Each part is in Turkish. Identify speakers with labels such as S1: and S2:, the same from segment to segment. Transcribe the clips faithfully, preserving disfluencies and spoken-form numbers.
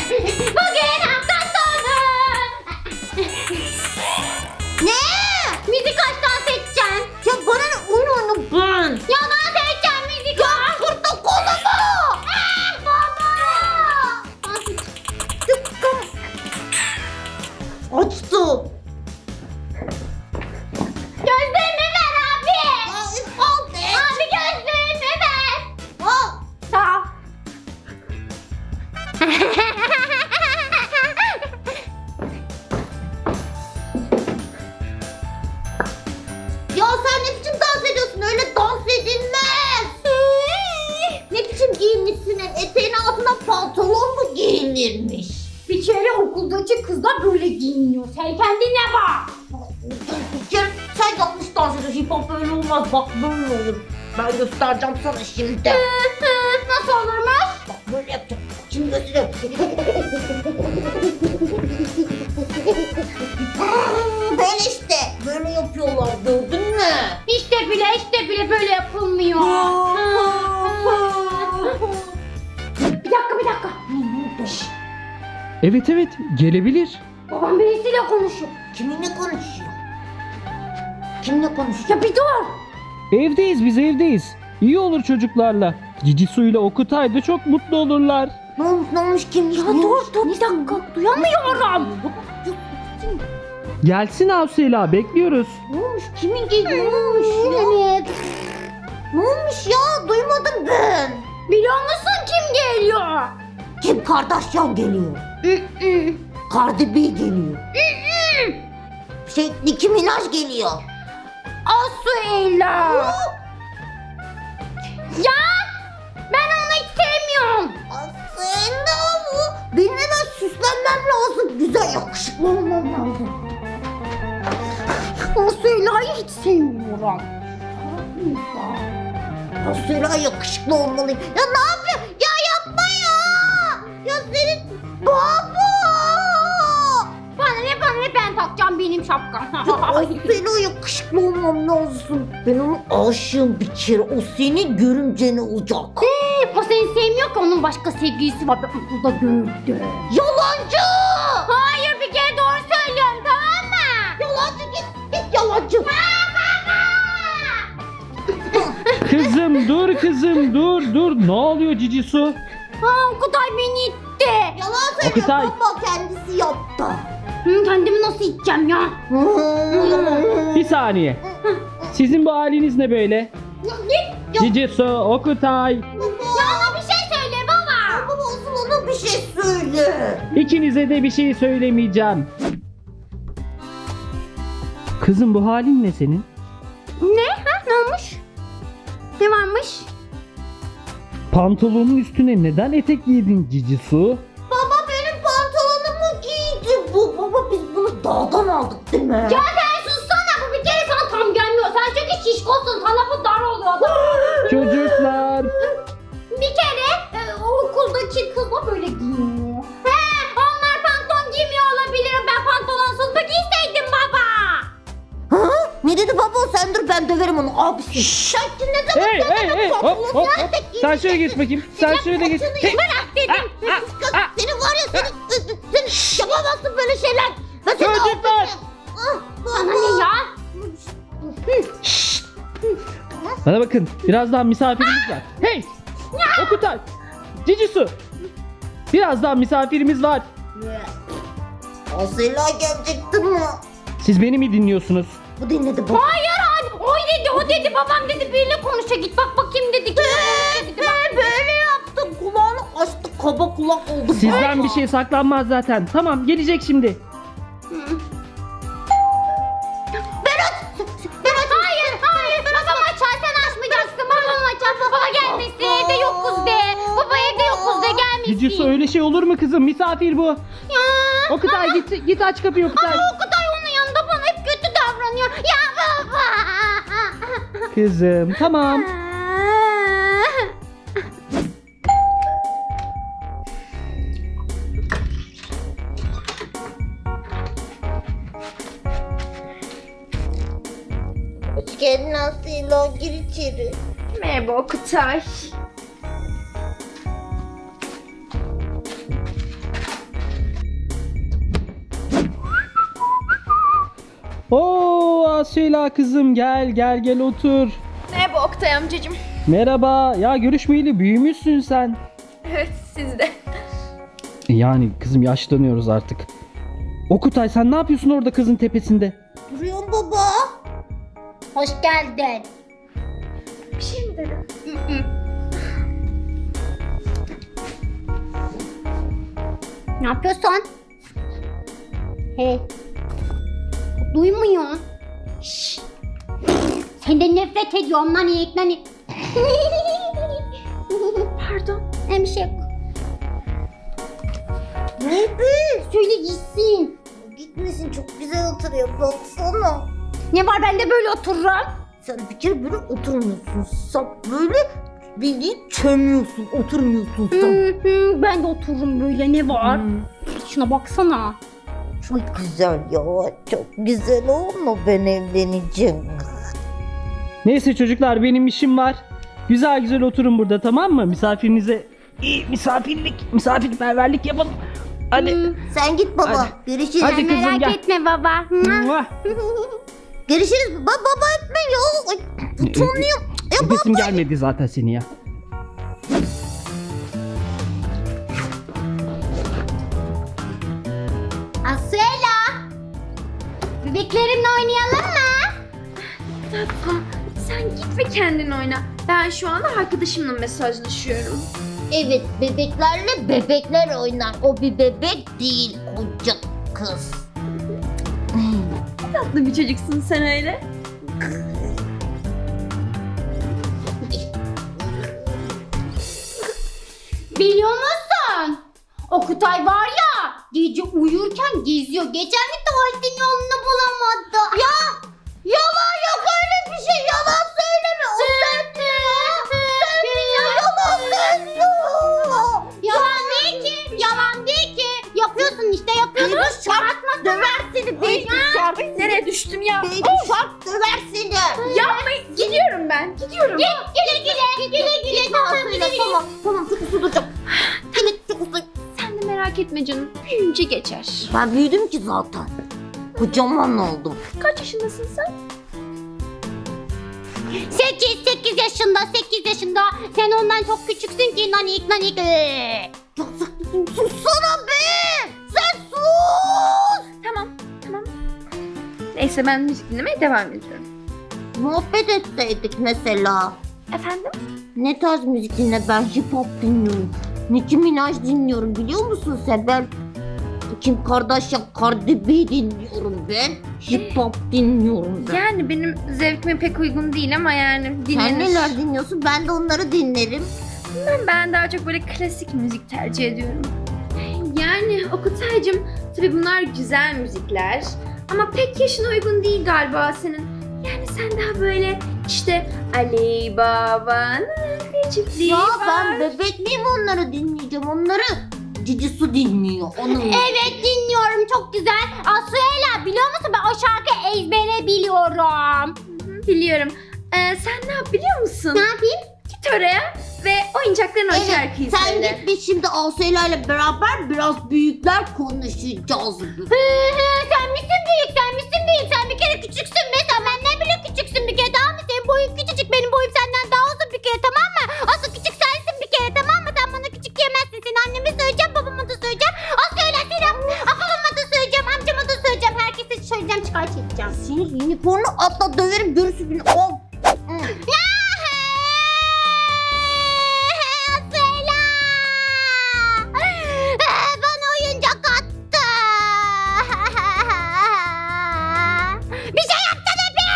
S1: Bugün hafta sonu.
S2: Ne?
S1: Müzik aç, dans edeceğim.
S2: Ya bana ne oyun oyunu ben?
S1: Ya dans edeceğim müzik aç.
S2: Kırdı kolumu.
S1: Ah, baba.
S2: Tıkkım. Açtı.
S1: Gözlüğümü ver abi.
S2: Ya üf, al be.
S1: Abi gözlüğümü ver.
S2: Al.
S1: Sağ ol.
S2: Ya sen ne biçim dans ediyorsun? Öyle dans edilmez. Ne biçim giyinmişsin? Eteğin altına pantolon mu giyinirmiş?
S1: Bir kere okuldaki kızlar böyle giyiniyor. Sen kendine bak.
S2: Bir kere sen yanlış dans ediyorsun. Hip hop böyle olmaz. Bak böyle olur. Ben göstereceğim sana şimdi.
S1: Nasıl olurmuş?
S2: Bak böyle yapacağım. Şimdi göstereyim. Böyle işte. Böyle yapıyorlar. Gördün mü?
S1: İşte bile işte bile böyle yapılmıyor. Bir dakika bir dakika. Şşş,
S3: Evet evet gelebilir.
S1: babam birisiyle konuşuyor.
S2: Kiminle konuşuyor? Kimle konuşuyor?
S1: Ya bir dur.
S3: Evdeyiz biz evdeyiz. İyi olur çocuklarla. Cici suyla Okutay da çok mutlu olurlar.
S2: Ne olmuş ne olmuş kimmiş?
S1: Ya
S2: ne
S1: dur
S2: olmuş?
S1: dur bir dakika duyamıyorum.
S3: Gelsin Avsela bekliyoruz.
S2: Ne olmuş? Kimin geliyor? Ne olmuş ya?
S1: Evet.
S2: Ne olmuş ya? Duymadım ben.
S1: Biliyor musun kim geliyor?
S2: Kim Kardashian geliyor? Cardi B geliyor. şey Nicki Minaj geliyor.
S1: Asuela. Ya ben onu hiç sevmiyorum.
S2: Aslında bu. Benim hemen süslenmem lazım. Güzel yakışıklı olmam lazım.
S1: Asuela'yı hiç sevmiyorum.
S2: Aslında yakışıklı olmalıyım. Ya ne yapıyor? Ya yapma ya. Ya senin baba.
S1: Bana ne bana ne ben takacağım benim şapkam.
S2: Aslında yakışıklı olmam lazım. Ben onun aşığım bir kere. O senin görümcen olacak.
S1: O seni sevmiyor ki onun başka sevgilisi var. Ben okulda gördüm.
S2: Yalancı.
S1: Hayır bir kere doğru söylüyorum tamam mı?
S2: Yalancı git. Git yalancı.
S3: Kızım dur kızım dur dur. Ne oluyor Cici su?
S1: Ha Okutay beni itti.
S2: Yalan söylüyor.
S3: Okutay.
S2: Baba kendisi yaptı.
S1: Hı, kendimi nasıl iteceğim ya?
S3: Bir saniye. Sizin bu haliniz ne böyle?
S1: Git.
S3: Cici su, Okutay.
S1: Ya ona bir şey söyle baba.
S2: Baba olsun ona bir şey söyle.
S3: İkinize de bir şey söylemeyeceğim. Kızım bu halin ne senin?
S1: Ne? Ha ne olmuş? Ne varmış?
S3: Pantolonun üstüne neden etek giydin Cici su?
S2: Baba benim pantolonumu giydi bu. Baba biz bunu dağdan aldık değil mi?
S1: Ya sen sussana bu bir kere sana tam gelmiyor. Sen çünkü şişkosun sana bu dar oluyor.
S3: Çocuklar.
S1: Bir kere e, o okuldaki kızla böyle giyiniyor. He onlar pantolon giymiyor olabilir. Ben pantolonsuz mu giyseydim baba?
S2: Ha? Ne dedi baba? Sen dur ben döverim onu abisi. Şşş. Ne zaman
S3: Hey hey hey hop hop hop. Sen şöyle geç bakayım. Sen şöyle geç. Hey.
S1: Bırak dedim.
S2: Kız senin var ya senin, sen yapamazsın böyle şeyler. Ben seni
S3: Çocuklar.
S2: affetmem. Ah,
S1: Sana ne ya?
S3: Bana bakın birazdan misafirimiz var. Hey! Okutay! Cici su! Birazdan misafirimiz var.
S2: Asela gelecekti mi?
S3: Siz beni mi dinliyorsunuz?
S2: Bu dinledi baba.
S1: Hayır hayır. O dedi o dedi babam dedi biriyle konuşa git bak bakayım dedi. Kimle konuşa dedi.
S2: Ben böyle yaptım. Kulağını açtı. Kaba kulak oldu.
S3: Sizden bir şey saklanmaz zaten. Tamam gelecek şimdi.
S1: Hayır hayır. Babam açar sen açmayacaksın. Babam açar. Baba gelmesin. Evde yokuz de. Baba evde yokuz de gelmesin.
S3: Cici su öyle şey olur mu kızım? Misafir bu.
S1: Ya.
S3: Okutay git git aç kapıyı Okutay.
S1: Ama Okutay onun yanında bana hep kötü davranıyor. Ya baba.
S3: Kızım tamam.
S2: Hoş geldin Asela. Gir içeri.
S1: Merhaba Okutay.
S3: Oo Asela kızım, gel gel gel otur.
S4: Merhaba Oktay amcacığım.
S3: Merhaba. Ya görüşmeyeli büyümüşsün sen.
S4: Evet, siz de.
S3: Yani kızım yaşlanıyoruz artık. Okutay, sen ne yapıyorsun orada kızın tepesinde?
S2: Duruyorum baba.
S1: Hoş geldin.
S4: Bir şey mi dedin?
S1: Ne yapıyorsun? He. Duymuyor. Şşş. Senden nefret ediyorum lan iyilik lan iyilik.
S4: Pardon.
S1: Ne bir şey yok.
S2: Ne be?
S1: Söyle gitsin.
S2: Gitmesin, çok güzel oturuyor. Baksana.
S1: Ne var, ben de böyle otururum.
S2: Sen bir kere böyle oturmuyorsun. Sen böyle bildiğin çömüyorsun. Oturmuyorsun sen.
S1: Hı hı, ben de otururum böyle, ne var?
S2: Hmm.
S1: Şuna baksana.
S2: Çok güzel ya. Çok güzel olma, ben evleneceğim.
S3: Neyse çocuklar, benim işim var. Güzel güzel oturun burada, tamam mı? Misafirinize iyi misafirlik, misafirperverlik yapalım. Hadi.
S1: Hı.
S2: Sen git baba.
S3: Hadi.
S2: Görüşürüz.
S3: Hadi kızım,
S1: Merak
S3: gel.
S1: etme baba. Hı.
S3: Muah.
S2: Görüşürüz. Baba baba etme ya. Ay, utanıyorum. Ya baba.
S3: Nefesim gelmedi zaten seni ya.
S1: Asuela. Bebeklerimle oynayalım mı?
S4: Tatlı. Sen git ve kendin oyna. Ben şu anda arkadaşımla mesajlaşıyorum.
S2: Evet, bebeklerle bebekler oynar. O bir bebek değil, koca kız.
S4: Tatlı bir çocuksun sen öyle.
S1: Biliyor musun? Okutay var ya, gece uyurken geziyor. Geçen gün tuvaletin yolunu bulamadı. Ya
S2: Yalan yok, öyle bir şey. Yalan söyleme. O sen ya. Sen ya, yalan söylüyor.
S1: yalan değil ki, yalan değil ki. Yapıyorsun işte, yapıyorsun.
S2: Beni şart döver seni. Beni şart.
S4: Nereye düştüm ya?
S2: Beni şart döver seni.
S4: Yapmayın. Gidiyorum ben. Gidiyorum.
S1: Git, güle güle, güle güle. Tamam, güle güle.
S2: Tamam, tamam, çok uslu duracağım. Evet, çok uslu.
S4: Sen de merak etme canım. Büyüyünce geçer.
S2: Ben büyüdüm ki zaten. Kocaman oldum.
S4: Kaç yaşındasın sen?
S1: Sekiz, sekiz yaşında, sekiz yaşında. Sen ondan çok küçüksün ki nanik nanik. Ee.
S2: Çok sıkıntı. Sussana be. Sen sus.
S4: Tamam. Tamam. Neyse ben müzik dinlemeye devam ediyorum.
S2: Muhabbet etseydik mesela.
S4: Efendim?
S2: Ne tarz müzik dinle? Ben hip hop dinliyorum. Nicki Minaj dinliyorum, biliyor musun sen? Ben Kim Kardashian, Cardi B dinliyorum ben. Hip hop dinliyorum ben.
S4: Yani benim zevkime pek uygun değil ama yani dinlenir.
S2: Sen neler dinliyorsun? Ben de onları dinlerim.
S4: Ben, ben daha çok böyle klasik müzik tercih ediyorum. Yani Okutay'cığım tabii bunlar güzel müzikler ama pek yaşına uygun değil galiba senin. Yani sen daha böyle işte Ali Baba'nın bir çiftliği
S2: Ya
S4: var.
S2: ben bebek miyim, onları dinleyeceğim? Onları Cici Su dinliyor. Onun
S1: Evet, dinliyorum, çok güzel. Asuela, biliyor musun, ben o şarkıyı ezbere biliyorum.
S4: Hı hı, biliyorum. Ee, sen ne yap biliyor musun?
S1: Ne yapayım?
S4: Git oraya ve oyuncakların o şarkıyı
S2: sen
S4: söyle.
S2: git, biz şimdi Asela ile beraber biraz büyükler konuşacağız.
S1: Hı hı, sen misin büyük, sen misin büyük? Sen bir kere küçüksün be, sen benden bile küçüksün bir kere, tamam mı? Senin boyun küçücük, benim boyum senden daha uzun bir kere, tamam mı? Asıl küçük sensin bir kere, tamam mı? Sen bana küçük diyemezsin. Seni anneme söyleyeceğim, babama da söyleyeceğim. Asıl seni babama da söyleyeceğim, amcama da söyleyeceğim. Herkese söyleyeceğim, şikayet edeceğim.
S2: Seni unicorn'u atla döverim, görürsün beni. Oh.
S1: Asela! Bana oyuncak attı. Bir şey yapsana be!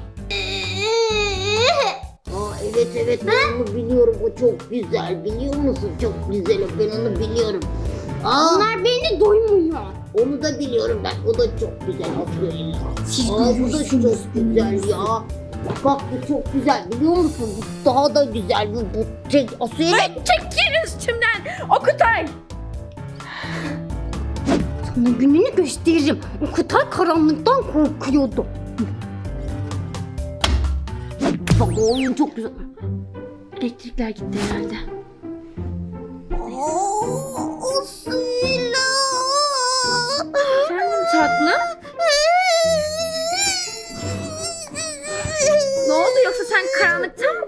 S2: Aa, evet evet, ben onu biliyorum, o çok güzel, biliyor musun? Çok güzel o, ben onu biliyorum. Aa,
S1: Onlar beni doymuyor.
S2: onu da biliyorum ben, o da çok güzel aslında.
S1: Siz
S2: Aa, bu da çok güzel ya. Bak bu çok güzel, biliyor musun? Bu daha da güzel, bu, bu şey, Asya.
S4: Ay, çekil üstümden Okutay.
S1: Sana gününü gösteririm. Okutay karanlıktan korkuyordu.
S2: Bak o oyun çok güzel.
S4: Elektrikler gitti herhalde.
S2: Aa, Asya.
S4: Efendim tatlım?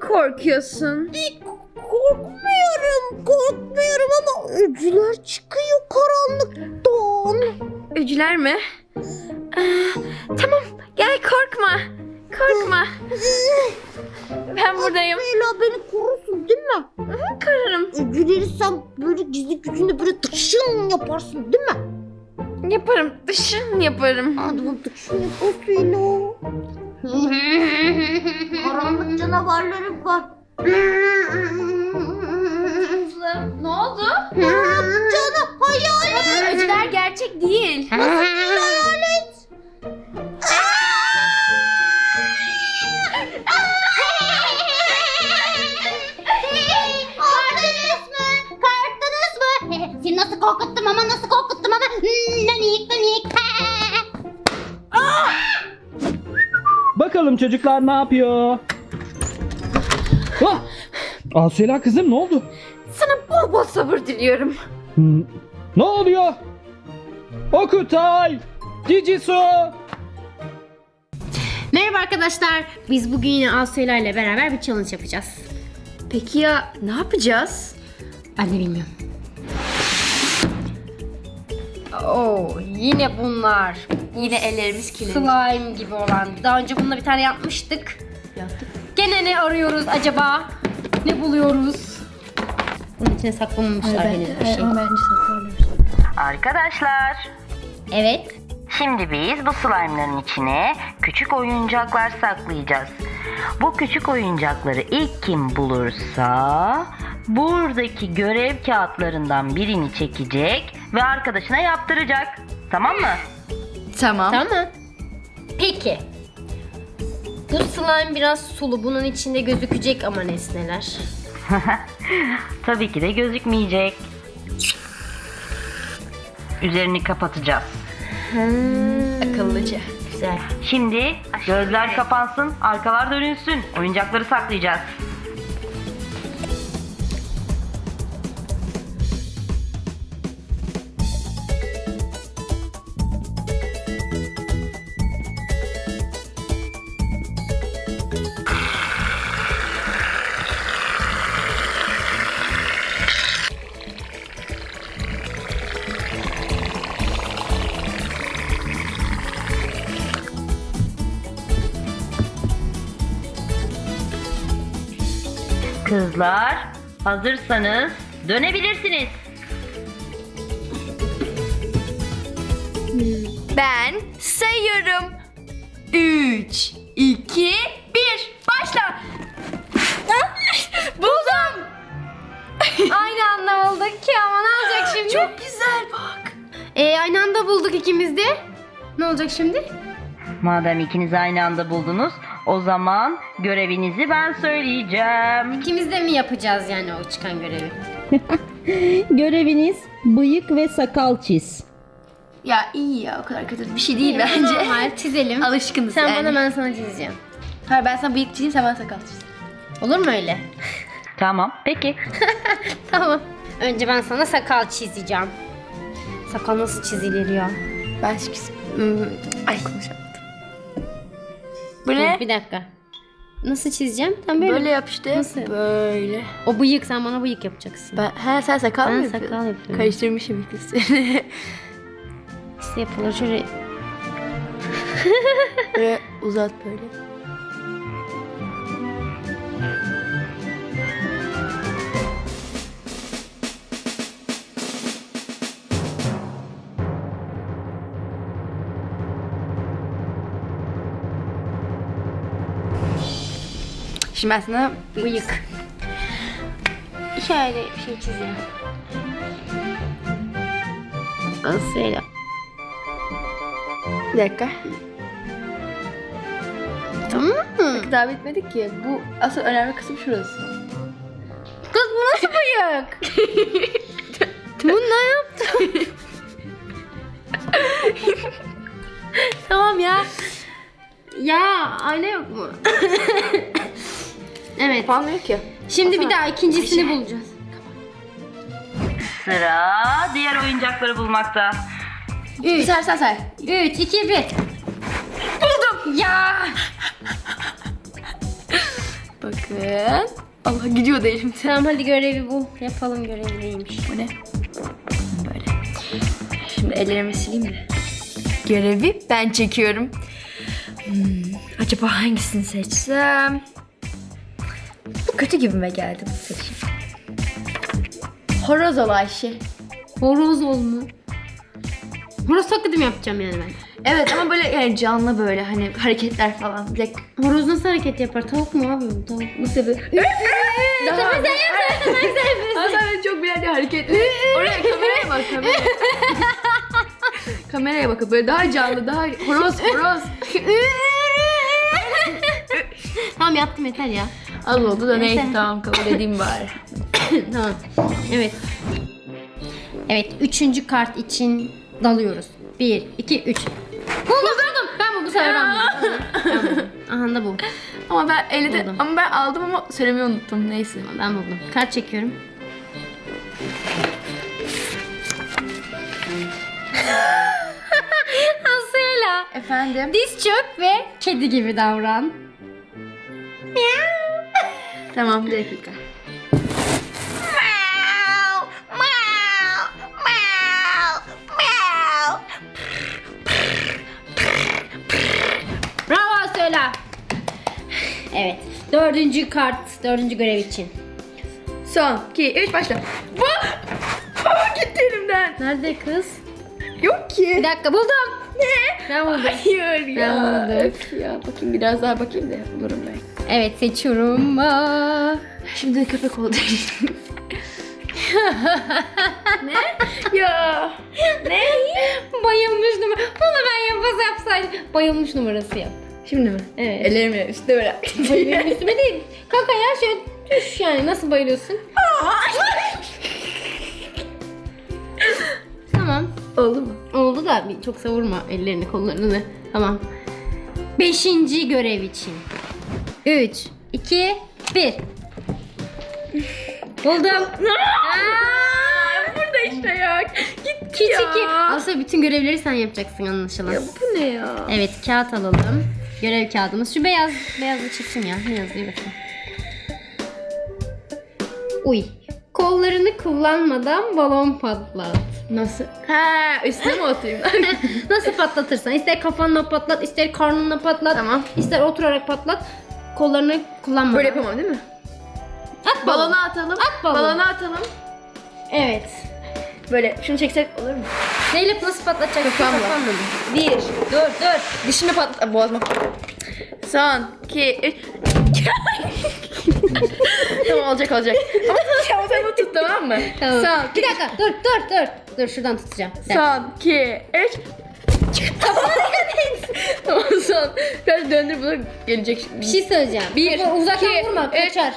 S4: korkuyorsun?
S2: Korkmuyorum, korkmuyorum ama öcüler çıkıyor karanlıktan.
S4: Öcüler mi? Ee, tamam gel korkma. Korkma. Ben buradayım.
S2: Leyla beni korursun değil mi?
S4: Korurum.
S2: Öcüleri sen böyle gizli gücünde böyle tıkşın yaparsın değil mi?
S4: Yaparım. Dışın yaparım.
S2: Hadi bunu tıkşın yaparsın Leyla. Karanlık canavarlarım var.
S4: Ne oldu?
S2: Canım hayalet.
S4: Öcüler gerçek değil.
S2: Hayalet.
S1: Korktunuz mu? Korktunuz mu? Seni nasıl korkuttum ama nasıl korkuttum ama. Hmm, nanik nanik.
S3: Bakalım çocuklar ne yapıyor? Ah! Asela kızım ne oldu?
S4: Sana bol bol sabır diliyorum.
S3: Hmm, Ne oluyor? Okutay! Cicisu!
S5: Merhaba arkadaşlar. Biz bugün yine Asuyla ile beraber bir challenge yapacağız.
S4: Peki ya ne yapacağız?
S5: Ben de bilmiyorum. Oo, yine bunlar.
S4: Yine ellerimiz kirlenir.
S5: Slime gibi olan. Daha önce bununla bir tane yapmıştık.
S4: Yaptık.
S5: Gene ne arıyoruz acaba? Ne buluyoruz? Bunun içine saklamamışlar henüz bir şey.
S4: bence saklarlar.
S6: Arkadaşlar,
S5: Evet.
S6: şimdi biz bu slime'ların içine küçük oyuncaklar saklayacağız. Bu küçük oyuncakları ilk kim bulursa buradaki görev kağıtlarından birini çekecek ve arkadaşına yaptıracak. Tamam mı?
S4: Tamam.
S5: Tamam. Peki. Bu slime biraz sulu. Bunun içinde gözükecek ama nesneler.
S6: Tabii ki de gözükmeyecek. Üzerini kapatacağız.
S4: Akıllıca.
S5: Güzel.
S6: Şimdi gözler kapansın, arkalar dönülsün. Oyuncakları saklayacağız. Kızlar, hazırsanız dönebilirsiniz.
S4: Ben sayıyorum. Üç, iki, bir. Başla. Buldum.
S5: Aynı anda bulduk ki ama ne olacak şimdi?
S4: Çok güzel bak.
S5: Ee, aynı anda bulduk ikimiz de. Ne olacak şimdi?
S6: Madem ikiniz aynı anda buldunuz, o zaman görevinizi ben söyleyeceğim.
S5: İkimiz de mi yapacağız yani o çıkan görevi?
S2: Göreviniz bıyık ve sakal çiz.
S4: Ya iyi ya, o kadar kötü bir şey değil bence.
S5: Normal çizelim.
S4: Alışkınız
S5: Sen
S4: yani.
S5: bana, ben sana çizeceğim.
S4: Hayır, ben sana bıyık çizeyim, sen bana sakal çiz.
S5: Olur mu öyle?
S6: Tamam, peki.
S5: Tamam. Önce ben sana sakal çizeceğim. Sakal nasıl çizilir ya?
S4: Ben şu hmm, ay konuşamadım. Bu
S5: Dur,
S4: ne?
S5: bir dakika. Nasıl çizeceğim? Tam böyle.
S4: Böyle yap işte.
S5: Nasıl?
S4: Böyle.
S5: O bıyık, sen bana bıyık yapacaksın.
S4: Ben, he, sen sakal
S5: Ben
S4: mı
S5: sakal
S4: yapıyorsun?
S5: yapıyorum.
S4: Karıştırmışım ikisini.
S5: Nasıl yapılır? Şöyle
S4: Böyle uzat böyle. Şimdi ben sana
S5: bıyık. Şöyle bir şey çizeceğim. Nasıl öyle?
S4: bir dakika.
S5: Tamam mı?
S4: Daha bitmedik ki. Bu asıl önemli kısım şurası.
S5: Kız bu nasıl bıyık? Bu ne yaptın? Tamam ya. Ya ayna yok mu? Evet.
S4: Yapamıyor ki.
S5: Şimdi bir daha ikincisini bulacağız.
S6: Sıra diğer oyuncakları bulmakta.
S4: Bir say say say.
S5: üç, iki, bir. Buldum. Ya.
S4: Bakın. Allah gidiyor da elimden.
S5: Tamam hadi görevi bul. Yapalım görevi neymiş.
S4: Bu ne? Böyle. Şimdi ellerimi sileyim de. Görevi ben çekiyorum. Hmm, acaba hangisini seçsem? Bu kötü gibime geldi bu seçim. Horoz ol Ayşe.
S5: Horoz ol mu? Horoz taklidi mi yapacağım yani ben?
S4: Evet ama böyle yani canlı böyle hani hareketler falan. Bir dakika.
S5: Horoz nasıl hareket yapar? Tavuk mu abi bu? Tavuk.
S4: Nasıl bir... Daha sen yapsana sen yapıyorsun. Sen çok beğendiği hareket. Oraya kameraya bak kameraya. Kameraya bakın böyle daha canlı daha horoz horoz.
S5: Tamam yaptım yeter ya.
S4: Az oldu da neyse
S5: Neyse.
S4: tamam kabul edeyim bari.
S5: Tamam. Evet. Evet. Üçüncü kart için dalıyoruz. Bir, iki, üç. Buldum buldum. Ben bu bu sefer aldım. Aha da bu.
S4: Ama ben elde
S5: Buldum.
S4: ama ben aldım ama söylemeyi unuttum neyse.
S5: Ben buldum. Kart çekiyorum. Asıyla.
S4: Efendim?
S5: Diz çök ve kedi gibi davran.
S4: Tamam bir dakika.
S5: Bravo söyle. Evet. Dördüncü kart. Dördüncü görev için.
S4: Son, iki, üç başla. Vah! Aa, gitti elimden.
S5: Nerede kız?
S4: Yok ki.
S5: Bir dakika buldum. Ne? Ben buldum.
S4: Hayır ya.
S5: Ben buldum.
S4: Öf ya. Bakayım biraz daha bakayım da bulurum ben.
S5: Evet seçiyorum. Aa.
S4: Şimdi köpek oldu. Ne? Ya. Ne?
S5: Bayılmış numara. Bunu ben yapaz yapsaydım. Bayılmış numarası yap.
S4: Şimdi mi?
S5: Evet.
S4: Ellerimi üstüne böyle.
S5: Benim üstüme değil. Kanka ya şöyle düş yani. Nasıl bayılıyorsun? Tamam.
S4: Oldu mu?
S5: Oldu da bir çok savurma ellerini kollarını. Tamam. Beşinci görev için. Üç, iki, bir. Buldum. Aa,
S4: Burada işte ya. Gitti
S5: Küçük
S4: ya.
S5: iki. Aslında bütün görevleri sen yapacaksın anlaşılan.
S4: Ya bu ne ya?
S5: Evet kağıt alalım. Görev kağıdımız. Şu beyaz beyazı çıksın ya. Ne yazıyor bakayım. Uy. Kollarını kullanmadan balon patlat.
S4: Nasıl? Ha üstüne mi atayım?
S5: Nasıl patlatırsan. İster kafanla patlat, ister karnınla patlat.
S4: Tamam.
S5: İster oturarak patlat. Kollarını kullanmadan.
S4: Böyle yapamam değil mi?
S5: At balonu.
S4: Balona atalım.
S5: At balonu.
S4: Balona atalım.
S5: Evet.
S4: Böyle şunu çeksek olur mu?
S5: Neyle nasıl patlatacak?
S4: Kafamla.
S5: Kafamla.
S4: Bir. Dur dur. Dişime patla. Boğazıma. Son. iki. Üç. Tamam olacak olacak. Ama ama sen bunu tut tamam mı?
S5: Tamam.
S4: Son.
S5: Bir dakika dur dur dur. Dur şuradan tutacağım. Bir dakika.
S4: Son. iki. Üç. Tamam son. Biraz döndür bunu gelecek şimdi.
S5: Bir şey söyleyeceğim.
S4: Bir,
S5: Kafa uzaktan
S4: iki,
S5: vurma
S4: üç.
S5: kaçar.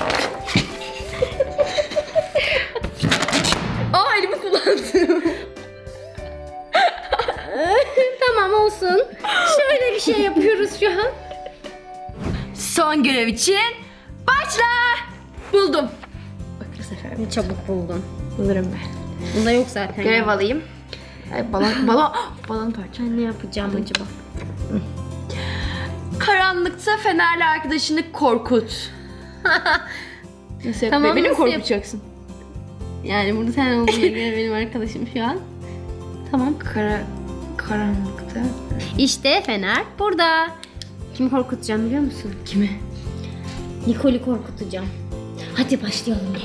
S4: Aa elimi kullandım.
S5: Tamam olsun. Şöyle bir şey yapıyoruz şu an.
S4: Son görev için başla. Buldum. Bak bu sefer
S5: Ne çabuk buldun.
S4: bulurum ben.
S5: Bunda yok zaten.
S4: Görev
S5: ya.
S4: alayım. Ay, balon, balon, balon parça.
S5: Ben ne yapacağım acaba?
S4: Karanlıkta fenerli arkadaşını korkut. Nasıl
S5: Tamam,
S4: yapıyor? Beni mi
S5: nasıl yap-
S4: korkutacaksın?
S5: Yani burada sen olduğuna göre benim arkadaşım şu an. Tamam.
S4: Kara, karanlıkta.
S5: İşte Fener burada. Kimi korkutacağım biliyor musun?
S4: Kimi?
S5: Nicole'i korkutacağım. Hadi başlayalım.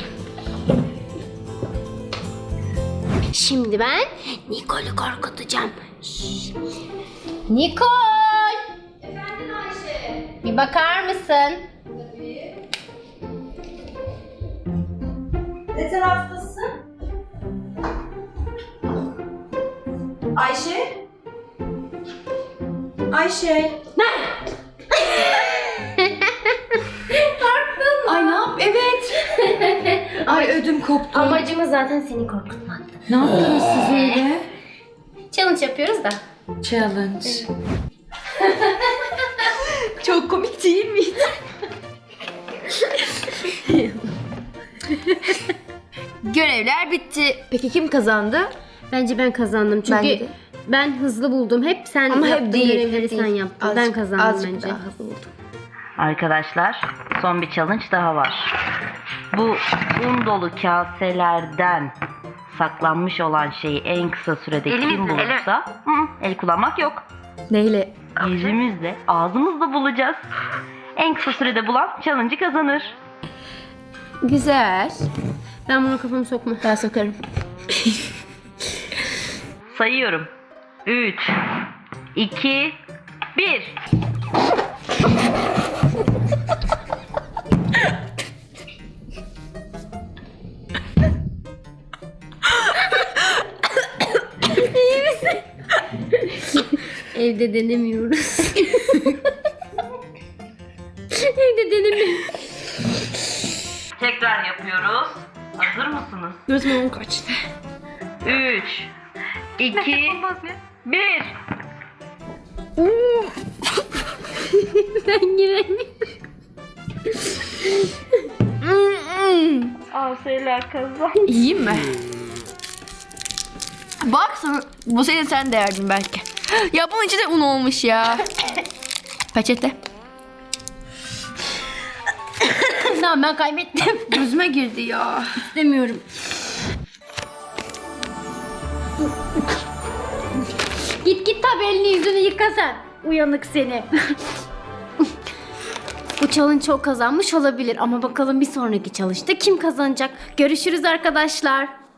S5: Şimdi ben Nicole'i korkutacağım. Şşş. Nicole! Efendim Ayşe? Bir bakar mısın?
S7: Ne taraftasın? Ayşe? Ayşe? Ay ne yap? Evet. Ay ödüm koptu.
S5: Amacımız zaten seni korkutmak.
S7: Ne yaptınız siz öyle?
S5: Challenge yapıyoruz da.
S7: Challenge. Çok komik değil miydi?
S4: Görevler bitti. Peki kim kazandı?
S5: Bence ben kazandım çünkü
S4: Bence de.
S5: ben hızlı buldum. Hep sen
S4: Ama
S5: yaptın
S4: hep değil.
S5: görevleri
S4: hep
S5: sen
S4: değil.
S5: yaptın.
S4: Azıcık-
S5: ben kazandım
S4: azıcık
S5: bence.
S4: daha hızlı buldum.
S6: Arkadaşlar Son bir challenge daha var. Bu un dolu kaselerden saklanmış olan şeyi en kısa sürede kim bulursa Hı, el kullanmak yok.
S7: Neyle?
S6: Yüzümüzle, ağzımızla bulacağız. En kısa sürede bulan challenge'ı kazanır.
S7: Güzel.
S5: Ben bunu kafamı sokma.
S7: Ben sokarım.
S6: Sayıyorum. üç, iki, bir.
S5: Evde denemiyoruz. Evde denemiyoruz.
S6: Tekrar yapıyoruz. Hazır mısınız?
S7: Gözümün kaçtı.
S6: üç, iki, bir.
S5: Ben giremiyorum.
S6: Asela kazan.
S7: İyiyim mi? Bak sana, bu sene sen de yerdin belki. Ya bunun içinde un olmuş ya. Peçete.
S5: Tamam ben kaybettim.
S7: Gözüme girdi ya.
S5: İstemiyorum. Git git tabi elini yüzünü yıka sen. Uyanık seni. Bu challenge o kazanmış olabilir ama bakalım bir sonraki challenge'da kim kazanacak? Görüşürüz arkadaşlar.